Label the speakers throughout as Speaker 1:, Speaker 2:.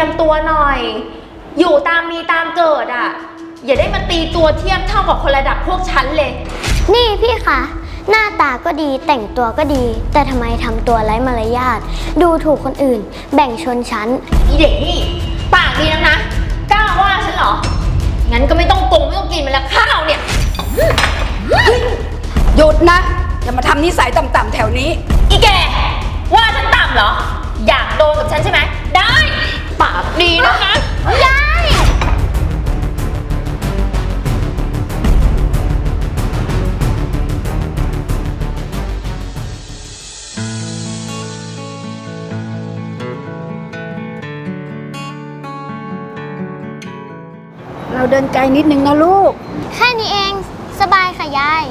Speaker 1: ยมตัวหน่อยอยู่ตามมีตามเกิดอ่ะอย่าได้มาตีตัวเทียบเท่ากับคนระดับพวกฉันเลย
Speaker 2: นี่พี่คะหน้าตาก็ดีแต่งตัวก็ดีแต่ทำไมทำตัวไร้มารยาทดูถูกคนอื่นแบ่งชนชั้น
Speaker 1: อีเด็กนี่ปากดีนักนะกล้าว่าฉันเหรองั้นก็ไม่ต้องกินมันละข้าวเนี่ย
Speaker 3: หยุดนะอย่ามาทำนิสัยต่ำๆแถวนี้
Speaker 1: อีแกว่าฉันต่ำเหรออยากโดนกับฉันใช่ไหมได้ปากดีนะคะ
Speaker 2: ยาย
Speaker 3: เราเดินไกลนิดนึงนะลูก
Speaker 2: แค่นี้เองสบายค่ะยาย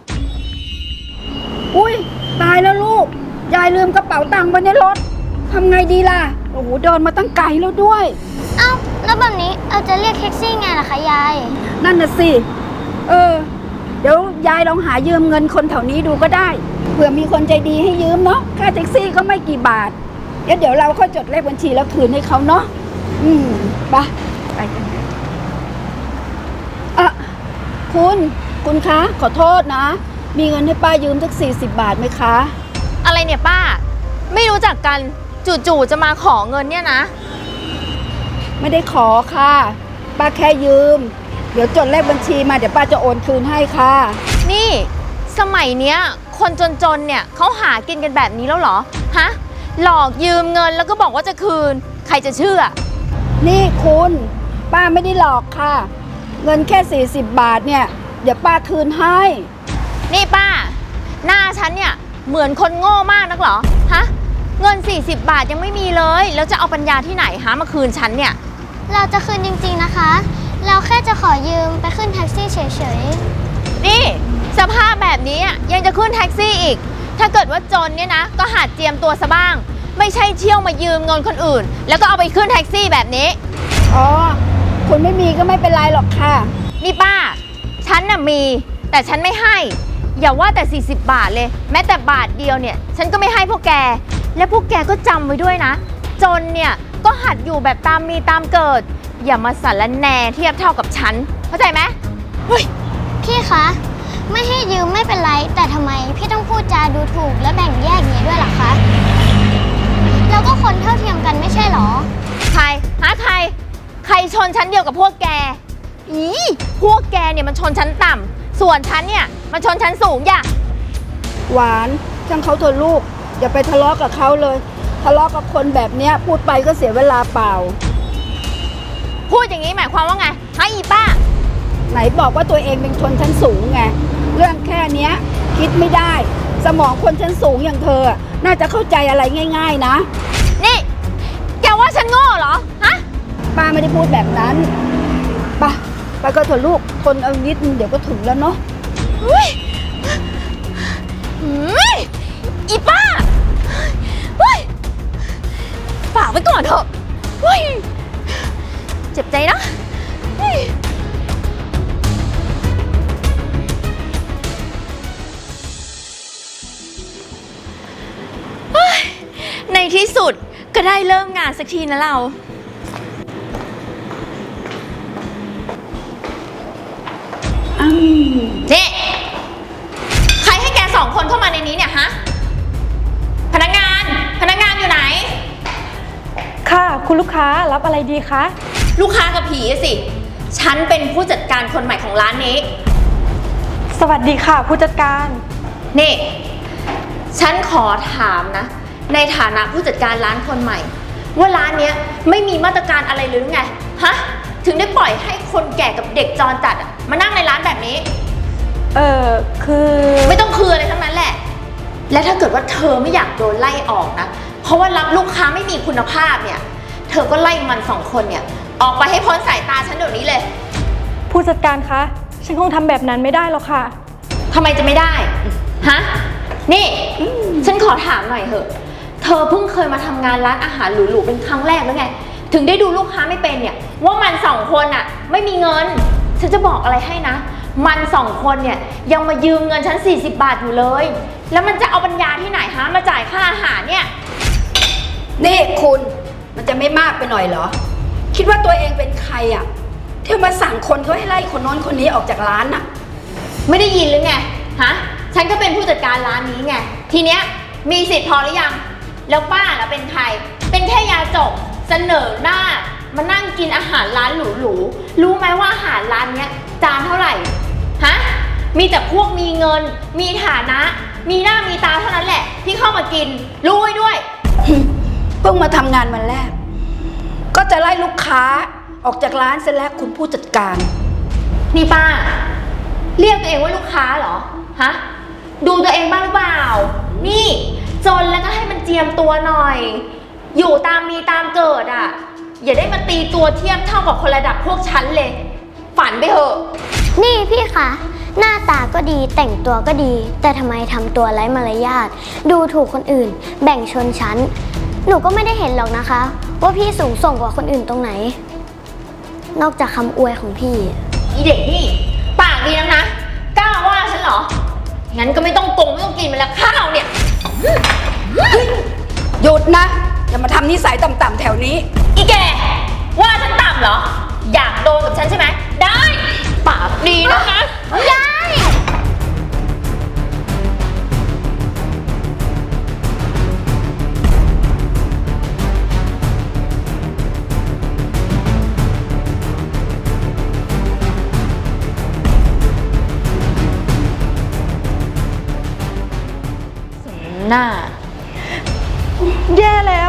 Speaker 3: อุ้ยตายแล้วลูกยายลืมกระเป๋าตังค์ไว้ในรถทำไงดีล่ะโอ้โหเดินมาตั้งไกลแล้วด้วย
Speaker 2: เอ้าแล้วแบบนี้เราจะเรียกแท็กซี่ไงล่ะคะยาย
Speaker 3: นั่นน่ะสิเดี๋ยวยายลองหายืมเงินคนแถวนี้ดูก็ได้เผื่อมีคนใจดีให้ยืมเนาะค่าแท็กซี่ก็ไม่กี่บาทเดี๋ยวเราค่อยจดเลขบัญชีแล้วคืนให้เขาเนาะไปกันคุณคะขอโทษนะมีเงินให้ป้ายืมสัก40 บาทไหมคะ
Speaker 1: อะไรเนี่ยป้าไม่รู้จักกันจู่ๆจะมาขอเงินเนี่ยนะ
Speaker 3: ไม่ได้ขอค่ะป้าแค่ยืมเดี๋ยวจดเลขบัญชีมาเดี๋ยวป้าจะโอนคืนให้ค่ะ
Speaker 1: นี่สมัยเนี้ยคนจนๆเนี่ยเขาหากินกันแบบนี้แล้วเหรอฮะหลอกยืมเงินแล้วก็บอกว่าจะคืนใครจะเชื่อ
Speaker 3: นี่คุณป้าไม่ได้หลอกค่ะเงินแค่40 บาทเนี่ยเดี๋ยวป้าคืนให้
Speaker 1: นี่ป้าหน้าฉันเนี่ยเหมือนคนโง่มากนักเหรอฮะเงิน40 บาทยังไม่มีเลยแล้วจะเอาปัญญาที่ไหนหามาคืนฉันเนี่ย
Speaker 2: เราจะคืนจริงๆนะคะเราแค่จะขอยืมไปขึ้นแท็กซี่เฉย
Speaker 1: ๆนี่สภาพแบบนี้ยังจะขึ้นแท็กซี่อีกถ้าเกิดว่าจนเนี่ยนะก็หัดเจียมตัวซะบ้างไม่ใช่เที่ยวมายืมเงินคนอื่นแล้วก็เอาไปขึ้นแท็กซี่แบบนี้
Speaker 3: อ๋อคุณไม่มีก็ไม่เป็นไรหรอกค่ะ
Speaker 1: นี่ป้าฉันน่ะมีแต่ฉันไม่ให้อย่าว่าแต่40 บาทเลยแม้แต่บาทเดียวเนี่ยฉันก็ไม่ให้พวกแกและพวกแกก็จำไว้ด้วยนะจนเนี่ยก็หัดอยู่แบบตามมีตามเกิดอย่ามาสารแหน่เทียบเท่ากับฉันเข้าใจไหมเฮ้ย
Speaker 2: พี่คะไม่ให้ยืมไม่เป็นไรแต่ทำไมพี่ต้องพูดจาดูถูกและแบ่งแยกอย่างนี้ด้วยล่ะคะเราก็คนเท่าเทียมกันไม่ใช่หรอ
Speaker 1: ใครใครชนชั้นเดียวกับพวกแกพวกแกเนี่ยมันชนชั้นต่ำส่วนฉันเนี่ยมันชนชั้นสูงอย่า
Speaker 3: หวานช่างเขาเถอะลูกอย่าไปทะเลาะกับเขาเลยทะเลาะกับคนแบบเนี้ยพูดไปก็เสียเวลาเปล่า
Speaker 1: พูดอย่างนี้หมายความว่าไงฮะอีป้า
Speaker 3: ไหนบอกว่าตัวเองเป็นชนชั้นสูงไงเรื่องแค่เนี้ยคิดไม่ได้สมองคนชั้นสูงอย่างเธอน่าจะเข้าใจอะไรง่ายๆนะ
Speaker 1: นี่แกว่าฉันโง่เหรอฮะ
Speaker 3: ป้าไม่ได้พูดแบบนั้นไปก็เถอะลูกทนเอานิดนึงเดี๋ยวก็ถึงแล้วเนาะ
Speaker 1: อีป้าฝากไว้ก่อนเถอะเจ็บใจนะในที่สุดก็ได้เริ่มงานสักทีนะเรานี่ใครให้แก2 คนเข้ามาในนี้เนี่ยฮะพนักงานอยู่ไหน
Speaker 4: ค่ะคุณลูกค้ารับอะไรดีคะ
Speaker 1: ลูกค้ากับผีสิฉันเป็นผู้จัดการคนใหม่ของร้านนี้
Speaker 4: สวัสดีค่ะผู้จัดการ
Speaker 1: นี่ฉันขอถามนะในฐานะผู้จัดการร้านคนใหม่ว่าร้านนี้ไม่มีมาตรการอะไรหรือไงฮะถึงได้ปล่อยให้คนแก่กับเด็กจรจัดมานั่งในร้านแบบนี้
Speaker 4: คือ
Speaker 1: ไม่ต้องคืออะไรทั้งนั้นแหละและถ้าเกิดว่าเธอไม่อยากโดนไล่ออกนะเพราะว่ารับลูกค้าไม่มีคุณภาพเนี่ยเธอก็ไล่มัน2 คนเนี่ยออกไปให้พ้นสายตาฉันเดี๋ยวนี้เลย
Speaker 4: ผู้จัดการคะฉันคงทำแบบนั้นไม่ได้หรอกค่ะ
Speaker 1: ทำไมจะไม่ได้ฮะนี่ฉันขอถามหน่อยเถอะเธอเพิ่งเคยมาทำงานร้านอาหารหรูๆเป็นครั้งแรกแล้วไงถึงได้ดูลูกค้าไม่เป็นเนี่ยว่ามัน2 คนไม่มีเงินฉันจะบอกอะไรให้นะมัน2 คนเนี่ยยังมายืมเงินฉัน40 บาทอยู่เลยแล้วมันจะเอาปัญญาที่ไหนฮะมาจ่ายค่าอาหารเนี่ย
Speaker 3: นี่คุณมันจะไม่มากไปหน่อยเหรอ คิดว่าตัวเองเป็นใครอ่ะที่มาสั่งคนเขาให้ไล่คนโน้นคนนี้ออกจากร้านน่ะ
Speaker 1: ไม่ได้ยินหรือไง ฮะ ฉันก็เป็นผู้จัดการร้านนี้ไง ทีเนี้ยมีสิทธิ์พอหรือยัง แล้วป้าล่ะเป็นใคร เป็นแค่ยาจกเสนอหน้ามานั่งกินอาหารร้านหรูๆ รู้ไหมว่าอาหารร้านเนี้ยจานเท่าไหร่ ฮะ มีแต่พวกมีเงิน มีฐานะ มีหน้ามีตาเท่านั้นแหละที่เข้ามากิน รู้ไว้ด้วย
Speaker 3: เพิ่งมาทำงานวันแรก ก็จะไล่ลูกค้าออกจากร้านเสร็จแล้วคุณผู้จัดการ
Speaker 1: นี่ป้า เรียกตัวเองว่าลูกค้าเหรอ ฮะ ดูตัวเองบ้างหรือเปล่า นี่จนแล้วก็ให้มันเจียมตัวหน่อย อยู่ตามมีตามเกิดอ่ะ อย่าได้มาตีตัวเทียบเท่ากับคนระดับพวกฉันเลย ฝันไปเถอะ
Speaker 2: นี่พี่คะหน้าตาก็ดีแต่งตัวก็ดี แต่ทำไมทำตัวไร้มารยาทดูถูกคนอื่น แบ่งชนชั้น หนูก็ไม่ได้เห็นหรอกนะคะ ว่าพี่สูงส่งกว่าคนอื่นตรงไหน นอกจากคำอวยของพี่
Speaker 1: อีเด็กนี่ ปากดีนักนะ กล้าว่าฉันเหรอ งั้นก็ไม่ต้องไม่ต้องกินมันละข้าวเนี่ย
Speaker 3: หยุดนะ อย่ามาทำนิสัยต่ำๆแถวนี้
Speaker 1: อีแก ว่าฉันต่ำเหรอ อยากโดนกับฉันใช่ไหม ได้ ปากดีนะคะ
Speaker 2: ยาย
Speaker 1: หน้า
Speaker 4: แย่แล้ว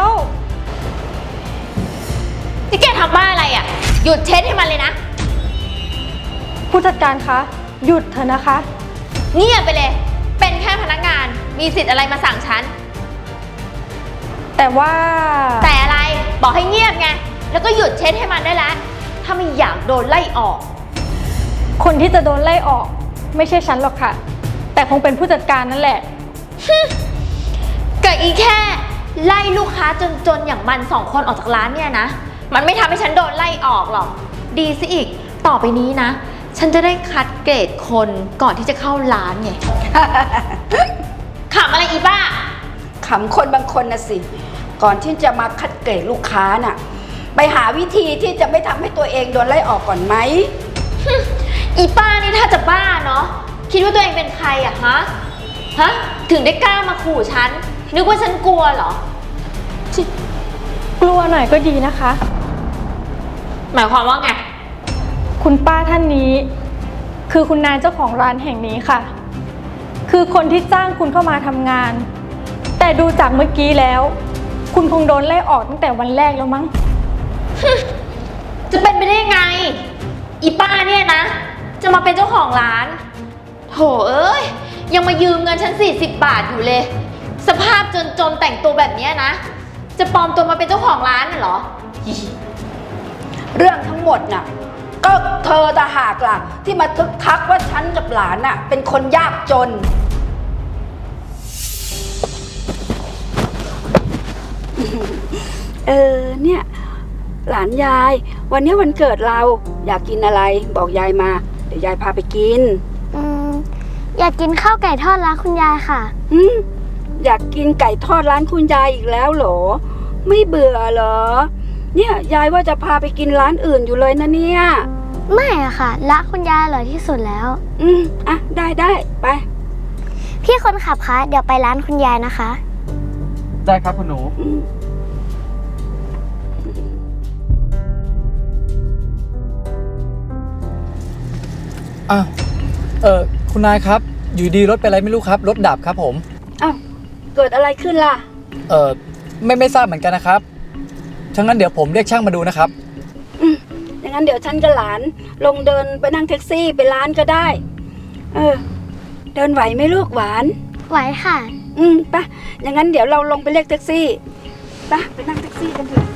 Speaker 1: นี่แกทำบ้าอะไรอ่ะ หยุดเช็ดให้มันเลยนะ
Speaker 4: ผู้จัดการคะ หยุดเถอะนะคะ
Speaker 1: เงียบไปเลย เป็นแค่พนักงาน มีสิทธิ์อะไรมาสั่งฉัน
Speaker 4: แต่ว่า
Speaker 1: แต่อะไร บอกให้เงียบไง แล้วก็หยุดเช็ดให้มันได้แล้ว ถ้าไม่อยากโดนไล่ออก
Speaker 4: คนที่จะโดนไล่ออก ไม่ใช่ฉันหรอกค่ะ แต่คงเป็นผู้จัดการนั่นแหละ
Speaker 1: เกิดอีแค่ไล่ลูกค้าจนๆอย่างมันสองคนออกจากร้านเนี่ยนะ มันไม่ทำให้ฉันโดนไล่ออกหรอก ดีซะอีก ต่อไปนี้นะ ฉันจะได้คัดเกรดคนก่อนที่จะเข้าร้านไง ขำอะไรอีบ้า
Speaker 3: ขำคนบางคนนะสิ ก่อนที่จะมาคัดเกรดลูกค้าน่ะ ไปหาวิธีที่จะไม่ทำให้ตัวเองโดนไล่ออกก่อนไหม
Speaker 1: อีป้านี่ถ้าจะบ้าเนาะ คิดว่าตัวเองเป็นใครอะฮะ ฮะ ถึงได้กล้ามาขู่ฉัน นึกว่าฉันกลัวเหรอ
Speaker 4: กลัวหน่อยก็ดีนะคะ
Speaker 1: หมายความว่าไง
Speaker 4: คุณป้าท่านนี้ คือคุณนายเจ้าของร้านแห่งนี้ค่ะ คือคนที่จ้างคุณเข้ามาทำงาน แต่ดูจากเมื่อกี้แล้ว คุณคงโดนไล่ออกตั้งแต่วันแรกแล้วมั้ง
Speaker 1: จะเป็นไปได้ไง อีป้าเนี่ยนะ จะมาเป็นเจ้าของร้าน โถเอ้ย ยังมายืมเงินฉัน40 บาทอยู่เลย สภาพจนแต่งตัวแบบเนี้ยนะ จะปลอมตัวมาเป็นเจ้าของร้านน่ะเหรอ
Speaker 3: เรื่องทั้งหมดน่ะ ก็เธอตาหากล่ะ ที่มาทึกทักว่าฉันกับหลานน่ะ เป็นคนยากจน เนี่ย หลานยาย วันนี้วันเกิดเราอยากกินอะไรบอกยายมา เดี๋ยวยายพาไปกิน
Speaker 2: อยากกินข้าวไก่ทอดร้านคุณยายค่ะ
Speaker 3: อยากกินไก่ทอดร้านคุณยายอีกแล้วเหรอ ไม่เบื่อเหรอ เนี่ยยายว่าจะพาไปกินร้านอื่นอยู่เลยนะเนี่ย
Speaker 2: ไม่อะค่ะร้านคุณยายอร่อยที่สุดแล้ว
Speaker 3: อ่ะได้ไป
Speaker 2: พี่คนขับคะเดี๋ยวไปร้านคุณยายนะคะ
Speaker 5: ได้ครับคุณหนู อ้าวคุณนายครับ อยู่ดีรถเป็นอะไรไม่รู้ครับ รถดับครับผม
Speaker 3: อ้าวเกิดอะไรขึ้นล่ะ
Speaker 5: ไม่ทราบเหมือนกันนะครับทั้งนั้นเดี๋ยวผมเรียกช่างมาดูนะครับ
Speaker 3: อย่างนั้นเดี๋ยวฉันกับหลานลงเดินไปนั่งแท็กซี่ไปร้านก็ได้ เดินไหวไหมลูกหวาน
Speaker 2: ไหวค่ะ
Speaker 3: ไปะอย่างนั้นเดี๋ยวเราลงไปเรียกแท็กซี่ไปนั่งแท็กซี่กันเถอะ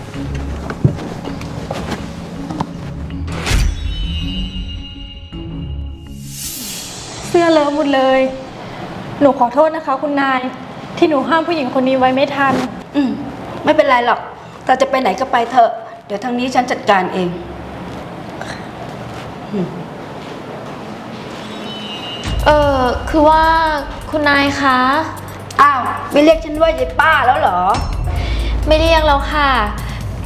Speaker 4: เสื้อเลอะหมดเลย หนูขอโทษนะคะ คุณนาย ที่หนูห้ามผู้หญิงคนนี้ไว้ไม่ทัน
Speaker 3: ไม่เป็นไรหรอกแต่จะไปไหนก็ไปเถอะ เดี๋ยวทางนี้ฉันจัดการเอง
Speaker 1: คือว่าคุณนายคะ
Speaker 3: อ้าวไม่เรียกฉันว่ายายป้าแล้วเหรอ
Speaker 1: ไม่เรียกแล้วค่ะ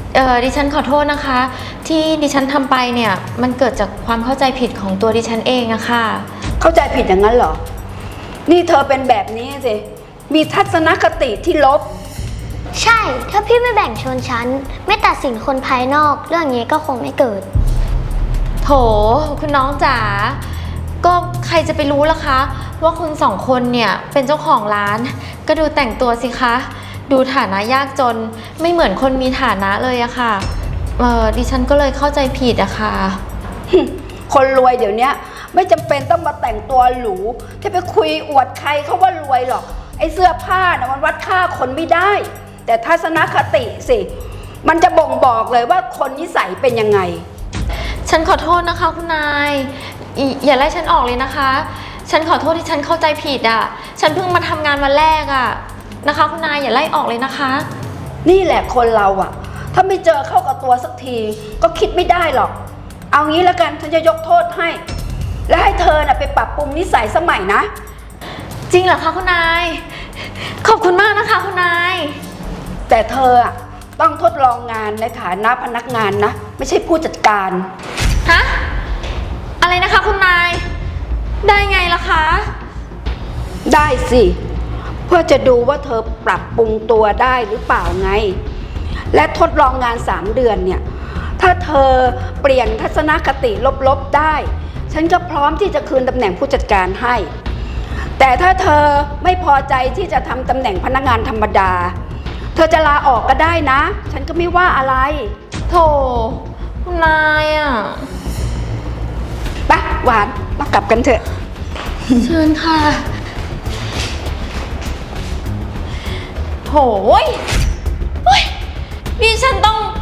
Speaker 1: ดิฉันขอโทษนะคะ ที่ดิฉันทำไปเนี่ยมันเกิดจากความเข้าใจผิดของตัวดิฉันเองอะค่ะ
Speaker 3: เข้าใจผิดอย่างนั้นเหรอ นี่เธอเป็นแบบนี้สิ มีทัศนคติที่ลบ
Speaker 2: ใช่ ถ้าพี่ไม่แบ่งชนชั้น ไม่ตัดสินคนภายนอก เรื่องนี้ก็คงไม่เกิด
Speaker 1: โถคุณน้องจ๋าก็ใครจะไปรู้ล่ะคะ ว่าคุณสองคนเนี่ยเป็นเจ้าของร้าน ก็ดูแต่งตัวสิคะ ดูฐานะยากจนไม่เหมือนคนมีฐานะเลยอะค่ะดิฉันก็เลยเข้าใจผิดอะค่ะ
Speaker 3: คนรวยเดี๋ยวนี้ไม่จำเป็นต้องมาแต่งตัวหรูจะไปคุยอวดใครเขาว่ารวยหรอก ไอ้เสื้อผ้านะมันวัดค่าคนไม่ได้ แต่ทัศนคติสิ มันจะบ่งบอกเลยว่าคนนิสัยเป็นยังไง
Speaker 1: ฉันขอโทษนะคะคุณนายอย่าไล่ฉันออกเลยนะคะ ฉันขอโทษที่ฉันเข้าใจผิดอะฉันเพิ่งมาทำงานวันแรกอะนะคะคุณนายอย่าไล่ออกเลยนะคะ
Speaker 3: นี่แหละคนเราอะถ้าไม่เจอเข้ากับตัวสักทีก็คิดไม่ได้หรอก เอางี้แล้วกันฉันจะยกโทษให้ และให้เธอน่ะไปปรับปรุงนิสัยสมัยนะ
Speaker 1: จริงเหรอคะคุณนายขอบคุณมากนะคะคุณนาย
Speaker 3: แต่เธออะต้องทดลองงานในฐานะพนักงานนะ ไม่ใช่ผู้จัดการ
Speaker 1: ฮะอะไรนะคะคุณนายได้ไงล่ะคะ
Speaker 3: ได้สิ เพื่อจะดูว่าเธอปรับปรุงตัวได้หรือเปล่าไง และทดลองงาน3 เดือนเนี่ยถ้าเธอเปลี่ยนทัศนคติลบๆได้ ฉันก็พร้อมที่จะคืนตำแหน่งผู้จัดการให้ แต่ถ้าเธอไม่พอใจที่จะทำตำแหน่งพนักงานธรรมดา เธอจะลาออกก็ได้นะ ฉันก็ไม่ว่าอะไร
Speaker 1: โถคุณนายอ่ะ
Speaker 3: ไปหวานมากลับกันเถอะ
Speaker 1: เชิญค่ะโหยเฮ้ยนี่ฉันต้อง